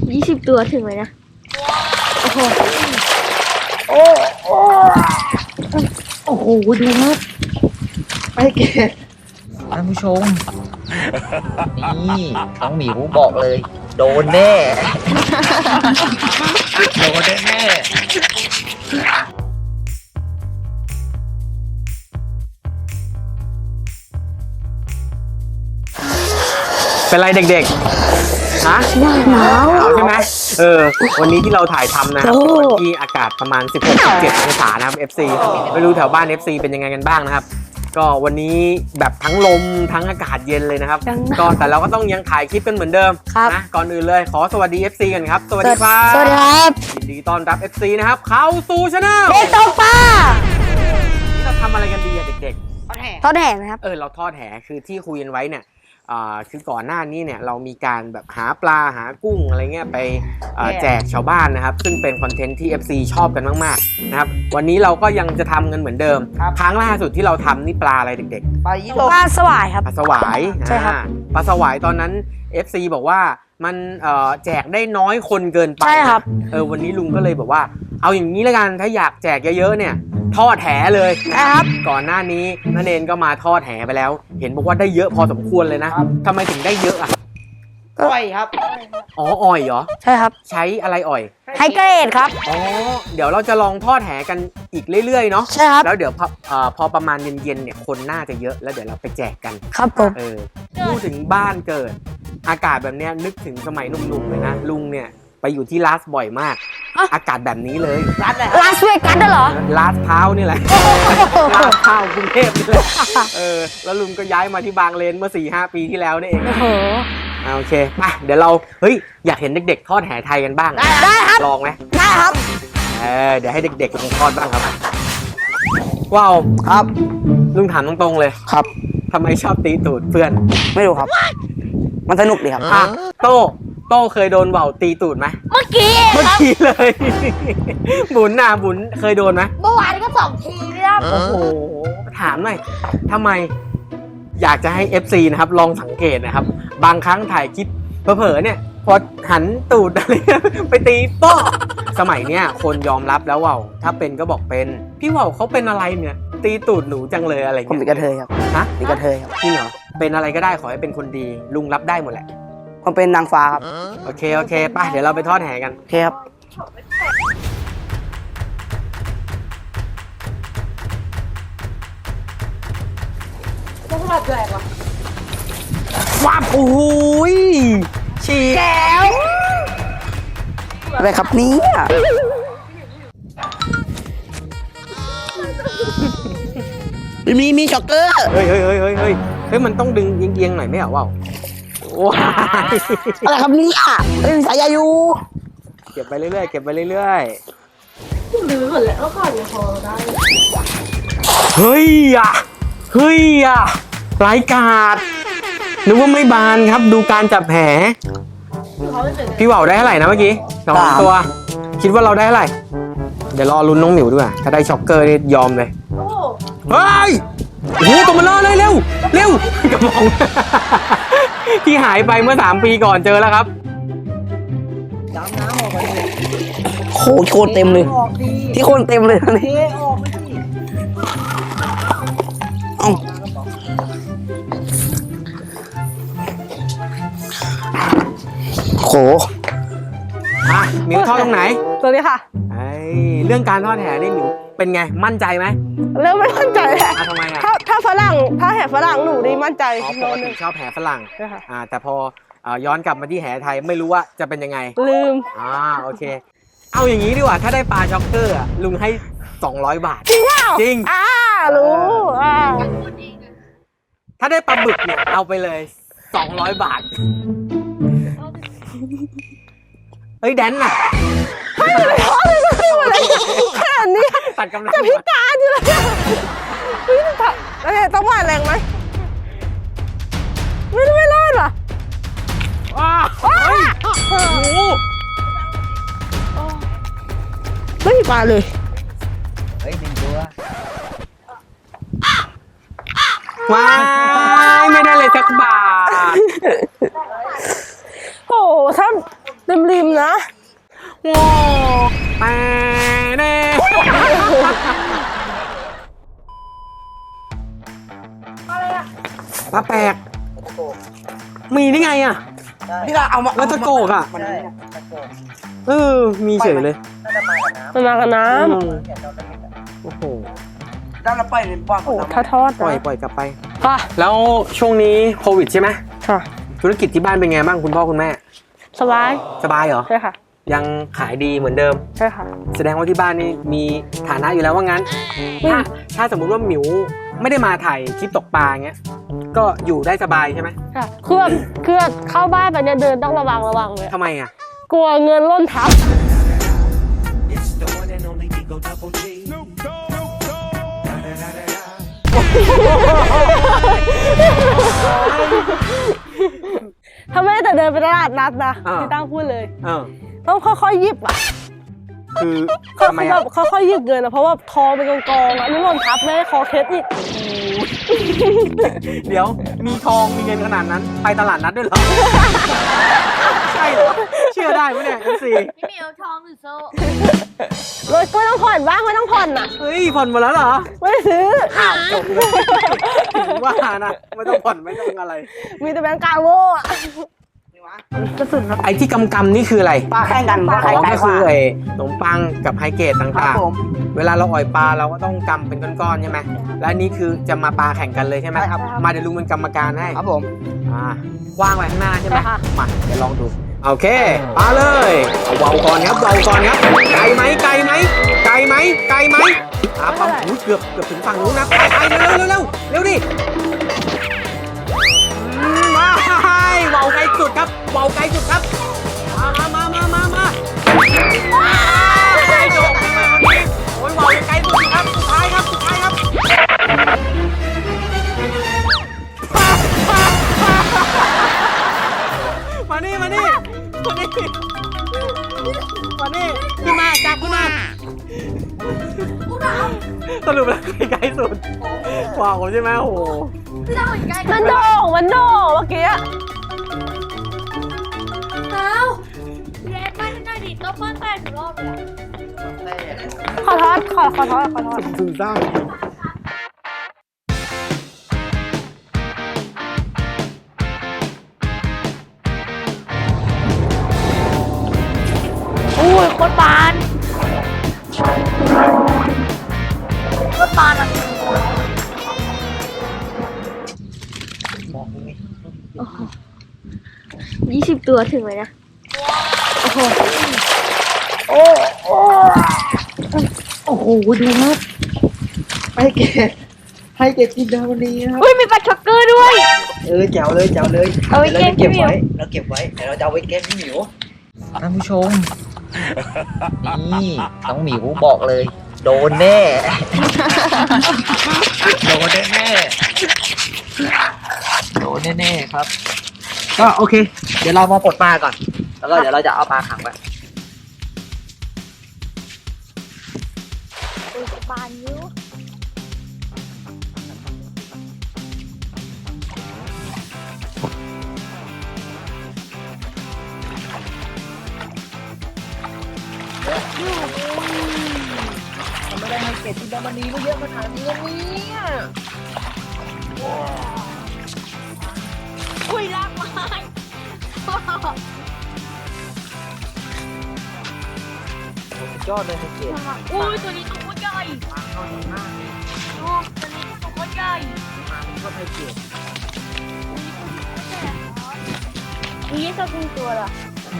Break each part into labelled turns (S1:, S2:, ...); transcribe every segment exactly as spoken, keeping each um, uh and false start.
S1: ยี่สิบตัวถึงไหมนะโอ้โหโอ้โอ้โอ้โหดูครับ
S2: ไปเกตท่านผู้ชม นี่น้องหมิวบอกเลย โดนแน่ โดนแน่เป็นไรเด็กๆฮะหนาวใช่ไหมเออวันนี้ที่เราถ่ายทำนะครับวันที่อากาศประมาณ สิบหก สิบเจ็ด องศานะครับ เอฟ ซี ไม่รู้แถวบ้าน เอฟ ซี เป็นยังไงกันบ้างนะครับก็วันนี้แบบทั้งลมทั้งอากาศเย็นเลยนะครับก็แต่เราก็ต้องยังถ่ายคลิปกันเหมือนเดิมนะก่อนอื่นเลยขอสวัสดี เอฟ ซี กันครับสวัสดีครับ
S1: สวัสดีครับ
S2: ยินดีต้อนรับ เอฟ ซี นะครับเข้าสู่ช่อง
S1: เด็กตกปลา
S2: นี่เราทำอะไรกันดีอะเด็ก
S1: ๆทอดแห่นะครับ
S2: เออเราทอดแห่คือที่คุยกันไว้เนี่ยคือก่อนหน้านี้เนี่ยเรามีการแบบหาปลาหากุ้งอะไรเงี้ยไปแจกชาวบ้านนะครับซึ่งเป็นคอนเทนต์ที่ เอฟ ซี ชอบกันมากๆนะครับวันนี้เราก็ยังจะทำกันเหมือนเดิมครั้งล่าสุดที่เราทำนี่ปลาอะไรเด็ก
S1: ๆปลายี่ปลาสวายครับ
S2: ปลาสวายใช่ครับปลาสวายตอนนั้น เอฟ ซี บอกว่ามันแจกได้น้อยคนเกินไป
S1: ใช่ครับ
S2: เออวันนี้ลุงก็เลยบอกว่าเอาอย่างนี้แล้วกันถ้าอยากแจกเยอะๆเนี่ยทอดแหเลย
S1: นะครับ
S2: ก่อนหน้านี้นั่นเองก็มาทอดแหไปแล้วเห็นบอกว่าได้เยอะพอสมควรเลยนะทำไมถึงได้เยอะอ่ะ
S1: อ้อยครับ
S2: อ๋ออ้อยเหรอ
S1: ใช่ครับ
S2: ใช้อะไรอ้อย
S1: ไฮเกรดครับ
S2: อ๋อเดี๋ยวเราจะลองทอดแหกันอีกเรื่อยๆเนาะ
S1: ใช่ครับ
S2: แล้วเดี๋ยวพอพอประมาณเย็นๆเนี่ยคนน่าจะเยอะแล้วเดี๋ยวเราไปแจกกัน
S1: ครับผม
S2: เออพูดถึงบ้านเกิดอากาศแบบนี้นึกถึงสมัยหนุ่มๆเลยนะลุงเนี่ยไปอยู่ที่ลาสบ่อยมากอากาศแบบนี้เลย
S1: ลาสลาสเวกัสเหรอ
S2: ลาสพร้าวนี่แหละลาสพร้าวกรุงเทพนี่แหละเออแล้วลุงก็ย้ายมาที่บางเลนเมื่อ สี่ห้า ปีที่แล้วนี่เอง
S1: โอ้โห
S2: โอเคมาเดี๋ยวเราเฮ้ยอยากเห็นเด็กๆทอดแหไทยกันบ้าง
S1: ได้ครับ
S2: ลองไหม
S1: ได้ครับ
S2: เออเดี๋ยวให้เด็กๆลองทอดบ้างครับว้าว
S1: ครับ
S2: ลุงถามตรงๆเลย
S1: ครับ
S2: ทำไมชอบตีตูดเพื่อน
S1: ไม่รู้ครับมันสนุกดีครับ
S2: โต้โต้เคยโดนเบาตีตูดไหม
S1: เมื่อกี้
S2: เมื่อกี้เลยบุญน่ะบุญเคยโดนไหม
S1: เมื่อวานก็สองทีครับ
S2: โอ้โหถามหน่อยทำไมอยากจะให้ เอฟ ซี นะครับลองสังเกตนะครับบางครั้งถ่ายคลิปเผลอๆเนี่ยพอหันตูดอะไรไปตีโป๊ะสมัยเนี้ยคนยอมรับแล้วว่าถ้าเป็นก็บอกเป็นพี่ว่าวเขาเป็นอะไรเนี่ยตีตูดหนูจังเลยอะไร
S1: ผมเป็นกระเทยครับ
S2: ฮะ
S1: เป็นกระเทยครับ
S2: จริงเหรอเป็นอะไรก็ได้ขอให้เป็นคนดีลุงรับได้หมดแหละ
S1: ผมเป็นนางฟ้าครับ
S2: โอเคโอเคป่ะเดี๋ยวเราไปทอดแห่กัน
S1: โอเคครับต้องทอดแหลกวะ
S2: ว้าโอ้ยฉีก
S1: แก้วอะไรครับเนี่ยมีมีช็อกเกอร์
S2: เฮ้ยเฮ้ยเฮ้ยเฮ้ยเฮ้ยเฮ้ยมันต้องดึงเอียงๆหน่อยไหมอ่ะว้าวว้า
S1: อะไรครับเนี่ยเฮ้ยสายยายู
S2: เก็บไปเรื่อยๆเก็บไปเรื่อย
S1: ๆลื้อหมดแล้วก่อนจะพอได้
S2: เฮ้ยอ่ะเฮ้ยอ่ะรายการนึกว่าไม่บานครับดูการจับแผลพี่ว่าวได้เท่าไหร่นะเมื่อกี้สองตัวคิดว่าเราได้เท่าไหร่เดี๋ยวรอลุ้นน้องหมิวด้วยถ้าได้ช็อกเกอร์นี่ยอมเลยเฮ้ยโอ้โหตัวมันรอเลยเร็วเร็วกระมองที่หายไปเมื่อสามปีก่อนเจอแล้วครับ
S1: ดำน้ำออกไปโคตรโคตรเต็มเลยที่โคตรเต็มเลยนี่ออกไม่ดีเอ้าโห
S2: อ่ะหมิวทอดตรงไหน
S1: ตัวนี้ค่ะ
S2: ไอ้เรื่องการทอดแห่นี่หมิวเป็นไงมั่นใจไหม
S1: เริ่มไม่มั่นใจแล้ว
S2: ทำไมอ่ะ
S1: ถ้าถ้าฝรั่งถ้าแห่ฝรั่งหนูดีมั่นใจ
S2: อ๋อปกติชอบแห่ฝรั่งอ่าแต่พอย้อนกลับมาที่แห่ไทยไม่รู้ว่าจะเป็นยังไง
S1: ลืม
S2: อ่าโอเคเอาอย่างนี้ดีกว่าถ้าได้ปลาช็อกเกอร์ลุงให้สองร้อยบาท
S1: จริงเปล่า
S2: จริง
S1: อ่ารู้อ่า
S2: ถ้าได้ปลาบึกเนี่ยเอาไปเลยสองร้อยบาทเฮ้ยแดนน่ะ
S1: ไม่เลยแค่นี้
S2: ตัดกำลัง
S1: จะพิการอยู่เลยเฮ้ยต้องว่าแรงไหมไม่ไม่รอดหรอ
S2: ว้าเฮ้ยโอ้โห
S1: ไม่มีปลาเลย
S2: เฮ้ยหนึ่งตัวว้ายไม่ได้เลยสักบาท
S1: โอ้ถ้าริมๆนะ
S2: ว้าวแปเน่ปลาแปลกมีได้ไงอ่ะ
S3: นี่เราเอามา
S2: แล้วตะโกกอ่ะ
S3: มัน
S2: เออมีเฉยเลย
S1: มันมากับน้
S2: อืมโอ้โห
S3: ด้านเราปล่อยในป้อม
S1: ำโอ้ทอดทอดๆ
S2: ปล่อย
S1: นะ
S2: ปล่อยกลับไป
S1: ค่ะ
S2: แล้วช่วงนี้โควิดใช่ไหม
S1: ค่ะ
S2: ธุรกิจที่บ้านเป็นไงบ้างคุณพ่อคุณแม่
S1: สบาย
S2: สบายเหรอ
S1: ใช่ค่ะ
S2: ยังขายดีเหมือนเดิม
S1: ใช่ค่ะ
S2: แสดงว่าที่บ้านนี่มีฐานะอยู่แล้วว่างั้น
S1: อืม
S2: ถ้าถ้าสมมุติว่าหมิวไม่ได้มาถ่ายคลิปตกปลาเงี้ย ก็อยู่ได้สบายใช่ไหม
S1: ค่ะคือแบบคือแบบเข้าบ้านไปเนี่ยเดินต้องระวังระวังเลย
S2: ทำไมอ่ะ
S1: กลัวเงินล่นทับ ถ้าไม่แต่เดินไปตลาดนัดนะ
S2: อ่า
S1: พี่ตั้งพูดเลย
S2: เออ
S1: ต้องค่อยๆหยิบอ่ะ
S2: คือ
S1: เขา
S2: ทำไม
S1: แบ
S2: อ่ะ
S1: บค่อยๆหยิบเงินอะเพราะว่าทองเป็นกองๆอ่ะนี่หล่นทับไม่ให้คอเคสอีก
S2: เดี๋ยวมีทองมีเงินขนาดนั้น ไปตลาดนัดด้วยเหรอ ใช่เหรอ เชื่อได้ไหมเนี่ยเอฟซี
S4: พี่เหมียวทองหรือโซ่
S1: รถก็ไม่ต้องผ่อนบ้างไม่ต้องผ่อนอ่ะ
S2: เฮ้ยผ่อนหมดแล้วเหรอ
S1: ไม่ได้ซื้อ
S2: อ้าวจบเลยถึงว่านะไม่ต้องผ่อนไม่ต้องอะไร
S1: มีแต่แบงก์กาโม่อะกระสุนครับ
S2: ไอ้ที่กำกำนี่คืออะไร
S3: ปลาแข่งกันปลา
S2: อ๋
S3: แข่ง
S2: อ
S3: กัน
S2: ก็คือไอ้ขนมปังกับไฮเกรด
S3: ครั
S2: ต่า
S3: บ
S2: ง
S3: ผม
S2: ๆ เวลาเราอ่อยปลาเราก็ต้องกำเป็นก้อนๆใช่ไหมและอันนี้คือจะมาปลาแข่งกันเลยใช่ไหม
S3: ใช่ครับ
S2: มาเดี๋ยวลุงเป็นกรรมการให้
S3: ครับผม
S2: อ่าวางไว้ข้างหน้าใช่ไหม
S1: ใช่ค่ะ
S2: มาเดี๋ยวลองดูโอเคปลาเลยเอาเบาก่อนครับเบาก่อนครับไกลไหมไกลไหมไกลไหมไกลไหมอ่าปั๊มอุ๊ยเกือบเกือบถึงฝั่งนู้นนะไปไปเร็วเร็วเร็วเร็วเร็วดิอืมมาเบาไกลสุดครับเบาไกลสุดครับมามามามามามาไกลโดดเลยวันนี้โอ้ยเบาไกลสุดครับสุดท้ายครับสุดท้ายครับมานี่มานี่มานี่มานี่ขึ้นมาจับขึ้นมาสรุปแล้วใกล้สุดว้าวใช่ไหมโอ้โห
S4: พี่ตั้งเหมือนใกล้
S1: มันโด่งมันโด่งเมื่อกี้อะ
S4: เท้าเล็บไม่ได้ดิต้องเปิ้ลแตกถึงรอบเลยอะ
S1: ขอทอดขอขอทอดขอทอด
S2: ซึมเศร้า
S4: อุ้ยโคตรปานโคตรปานอ่ะ ยี่สิบตัวถึงเลยนะ
S1: โอ้โห
S3: โอ้โอ้โอ้โหดูครับให้เกดให้เกดกินดาวนี้นะครับ
S4: อุ้ยมีปลาช็อกเกอร์ด้วย
S3: เออแจ๋วเลยแจ๋วเลย
S4: เอาไว้
S3: ดี๋ยวเราจะ
S4: เก็
S3: เก็
S4: บบ พี่หมิว
S3: ไว้เราเก็บไว้เดี๋ยวเราจะเอาไว้เก็บพี่หมิวท่านผู้ชม นี่น้องหมิวบอกเลย โดนแน่ โดนแน่แน่ๆโดนแน่แน่ๆครับ ก็โอเค เดี๋ยวเรามาปลดปลาก่อน แล้วก็เดี๋ยวเราจะเอาปลาขังไว้
S4: อุ้ยปานยิ้ว
S3: ไม่ได้ให้เกดกินดาวนี้ไม่เยอะขนาดนี้เนี่ย
S4: อุ้ยลากไม้
S3: ยอดเลยให้เกด
S4: อุ้ยตัวนี้ตัวโคตรใหญ่โอ้ตัวนี้ตัวโคตรใหญ่
S3: ชอบให้เกด
S4: อุ้ยตัวเป็นตัวละ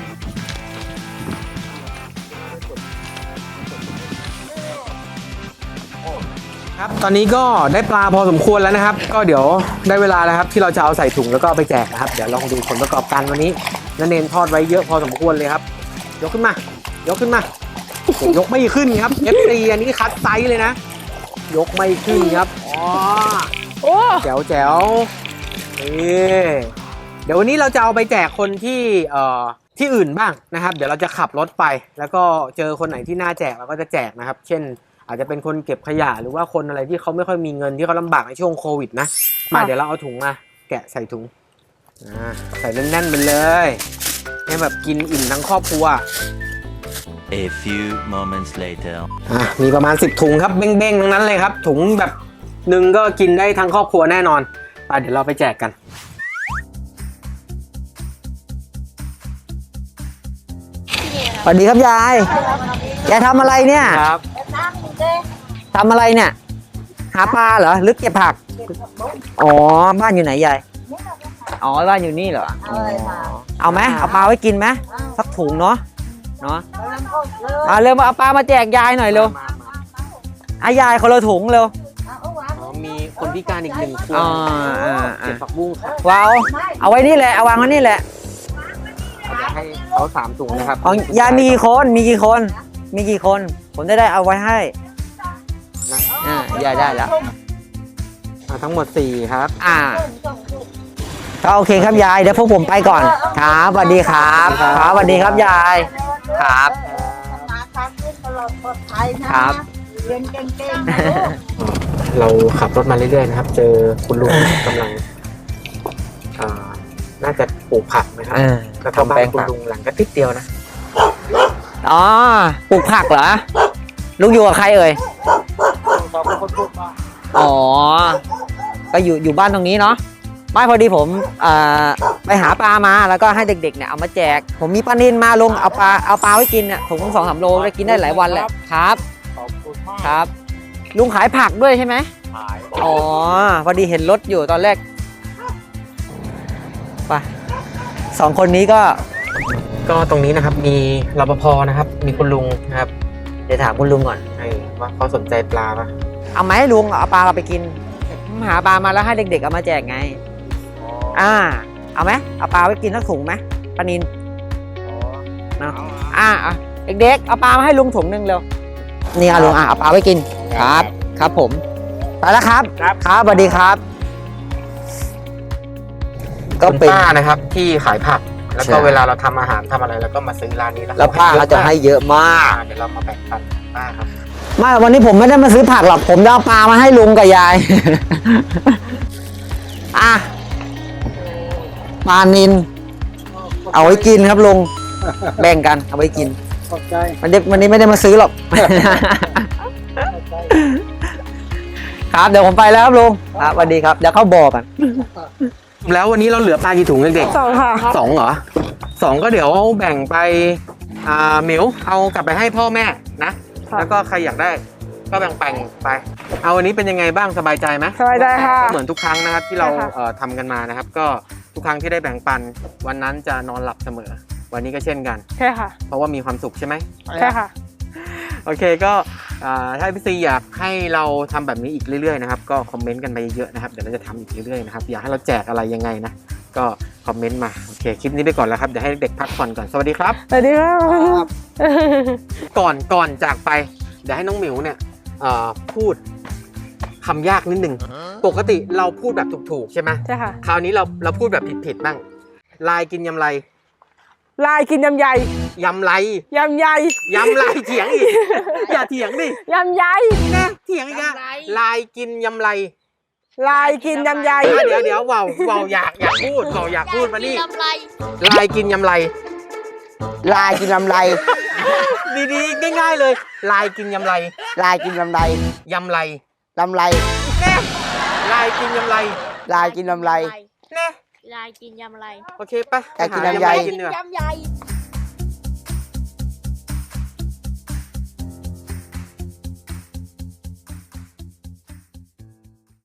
S2: ครับตอนนี้ก็ได้ปลาพอสมควรแล้วนะครับ ก็เดี๋ยวได้เวลาแล้วครับที่เราจะเอาใส่ถุงแล้วก็เอาไปแจกนะครับเดี๋ยวลองดูผลประกอบการวันนี้นันเนนทอดไว้เยอะพอสมควรเลยครับยกขึ้นมายกขึ้นมา ยกไม่ขึ้นครับ เอฟ ซี อันนี้คัดไซส์เลยนะ ยกไม่ขึ้นครับอ๋อ
S1: โอ้
S2: แจ๋วแจ๋วนี่เดี๋ยววันนี้เราจะเอาไปแจกคนที่เอ่อที่อื่นบ้างนะครับ เดี๋ยวเราจะขับรถไป แล้วก็เจอคนไหนที่น่าแจกเราก็จะแจกนะครับ เช่น อาจจะเป็นคนเก็บขยะหรือว่าคนอะไรที่เขาไม่ค่อยมีเงินที่เขาลำบากในช่วงโควิดนะมาเดี๋ยวเราเอาถุงมาแกะใส่ถุงอ่าใส่แน่นๆไปเลยให้แบบกินอิ่มทั้งครอบครัว
S5: A few moments later.
S2: อ่ะมีประมาณสิบถุงครับเบ้งๆทั้งนั้นเลยครับถุงแบบหนึ่งก็กินได้ทั้งครอบครัวแน่นอนไปเดี๋ยวเราไปแจกกัน
S3: สวัสดีครับยายยายทำอะไรเนี่ย
S2: ครับ
S3: ทำอะไรเนี่ย หาปลาเหรอหรือเก็บผัก อ๋อ บ้านอยู่ไหนยาย อ๋อ บ้านอยู่นี่เหรออ๋อเอาไหมเอาปลาไว้กินไหมสักถุงเนาะ เนาะเอาเร็วมาเอาปลามาแจกยายหน่อยเร็วอายายคนละถุงเร็ว
S2: อ๋อมีคนพิการอีกหนึ่งคน
S3: อ๋ออ่า
S2: เก็บ
S3: อ่า
S2: ผักบุ้งครับ
S3: ว้าวเอาไว้นี่แหละ เอาวางไว้นี่แหละ
S2: จะให้เขาสามถุงนะครับ
S3: อ๋อยายมีกี่คน มีกี่คน มีกี่คน ผมจะได้เอาไว้ให้
S2: นะ
S3: อ่ายายได้แล้ว
S2: อ่ะทั้งหมดสี่ครับ
S3: อ่าก็โอเคครับยาย เดี๋ยวพวกผมไปก่อน ครับสวัสดีครับ ครับสวัสดีครับยาย ครับ
S6: มาทางขึ้นตลอดปลอดภัยนะครับ เรียนเก่งๆนะลูก
S2: เราขับรถมาเรื่อยๆนะครับ เจอคุณลุงกำลังอ่าน่าจะปลูกผักนะครับ
S3: อ่า
S2: แล้วก็บ้านคุณลุงหลังก็ติดเดียวนะ
S3: อ๋อ ปลูกผักเหรอ ลุงอยู่กับใครเอ่ย อ๋อ ก็อยู่อยู่บ้านตรงนี้เนาะ ไม่พอดีผมอ่าไปหาปลามาแล้วก็ให้เด็กๆเนี่ยเอามาแจก ผมมีปลานิลมาลงเอาปลาเอาปลาไว้กินเนี่ยถุงสองสามโลได้กินได้หลายวันแหละครับ
S7: ขอบคุณมาก
S3: ครับ ลุงขายผักด้วยใช่ไหม
S7: ขาย
S3: อ๋อ พอดีเห็นรถอยู่ตอนแรก ไปสองคนนี้ก็
S2: ก็ตรงนี้นะครับมีรปภนะครับ มีคุณลุงนะครับ
S3: เดี๋ยวถามคุณลุงก่อน
S2: ให้ว่าเขาสนใจปลาปะ
S3: เอาไหมลุงเอาปลาเราไปกิน หาปลามาแล้วให้เด็กๆเอามาแจกไง อ่า เอาไหมเอาปลาไว้กินสักถุงไหมปลานินเนาะอ่าอ่ะเด็กๆเอาปลามาให้ลุงถุงหนึ่งเร็วนี่อ่ะลุงอ่ะเอาปลาไว้กินครับ ครับผมไปแล้วครับครับสวัสดีครับ ก็
S2: คุณ
S3: เป็น
S2: ป้านะครับที่ขายผัก แล้วก็
S3: ใช่
S2: เวลาเราทำอาหารทำอะไรเราก็มาซื้อร้านนี้นะ
S3: แล้วป้าเขาจะให้เยอะมาก
S2: อ่าเดี๋ยวเรามาแบ่งปันป้าครับ
S3: ไม่วันนี้ผมไม่ได้มาซื้อผักหรอกผมจะเอาปลามาให้ลุงกับยาย อ่ะปลานินเอาไว้กินครับลุงแบ่งกันเอาไว้กิน
S7: ขอบใจ
S3: วันนี้วันนี้ไม่ได้มาซื้อหรอก ครับเดี๋ยวผมไปแล้วครับลุงครับสวัสดีครับเดี๋ยวเข้าบ่อกัน
S2: แล้ววันนี้เราเหลือปลากี่ถุงเด็ก
S1: สองค่ะ
S2: ๆสองเหรอสองก็เดี๋ยวแบ่งไปอ่าหมิวเอากลับไปให้พ่อแม่นะ
S1: ค่ะ
S2: แล้วก็ใครอยากได้ก็แบ่งแบ่งไป เอาวันนี้เป็นยังไงบ้างสบายใจไหม
S1: สบายใจค่ะ
S2: ก็เหมือนทุกครั้งนะครับที่เรา
S1: ใช่ค่ะ
S2: เอ่อทำกันมานะครับ ก็ทุกครั้งที่ได้แบ่งปัน วันนั้นจะนอนหลับเสมอ วันนี้ก็เช่นกัน
S1: ใช่ค่ะ
S2: เพราะว่ามีความสุขใช่ไหม
S1: ใช่ค่ะ
S2: โอเคก็อ่าถ้าพี่ซีอยากให้เราทำแบบนี้อีกเรื่อยๆนะครับก็คอมเมนต์กันไปเยอะๆนะครับเดี๋ยวเราจะทำอีกเรื่อยๆนะครับอยากให้เราแจกอะไรยังไงนะก็คอมเมนต์มาโอเคคลิปนี้ไปก่อนแล้วครับเดี๋ยวให้เด็กพักผ่อนก่อนสวัสดีครับ
S1: สวัสดีครับ
S2: ก่อนก่อนจากไปเดี๋ยวให้น้องหมิวเนี่ยเอ่อพูดคำยากนิดนึงปกติเราพูดแบบถูกๆใช่ไหม
S1: ใช่ค่ะ
S2: คราวนี้เราเราพูดแบบผิดๆบ้างลายกินยำไร
S1: ลายกินยำใหญ่
S2: ยำไร
S1: ยำใหญ่
S2: ยำไรเถียงอีกอย่าเถียงดิ
S1: ยำใหญ่
S2: นะเถียงอีกอะลายกินยำไร
S1: ลายกินยำใหญ่
S2: อ่ะเดี๋ยวเดี๋ยวเบาเบาอยากอยากพูดเบาอยากพูดมานี่
S4: ลำไร
S2: ลายกินยำไร
S3: ลายกินลำไร
S2: ดีๆง่ายๆเลย ลายกินยำไร
S3: ลายกินลำไร
S2: ยำไร
S3: ลำไร
S2: แน่ลายกินยำไร
S3: ลายกินลำไร
S2: แน่
S4: ลายกินยำไร
S2: โอเคไป
S3: อยากกิน
S2: ห
S3: ยำใหญ่
S2: กินเนื้อย
S4: ำใหญ่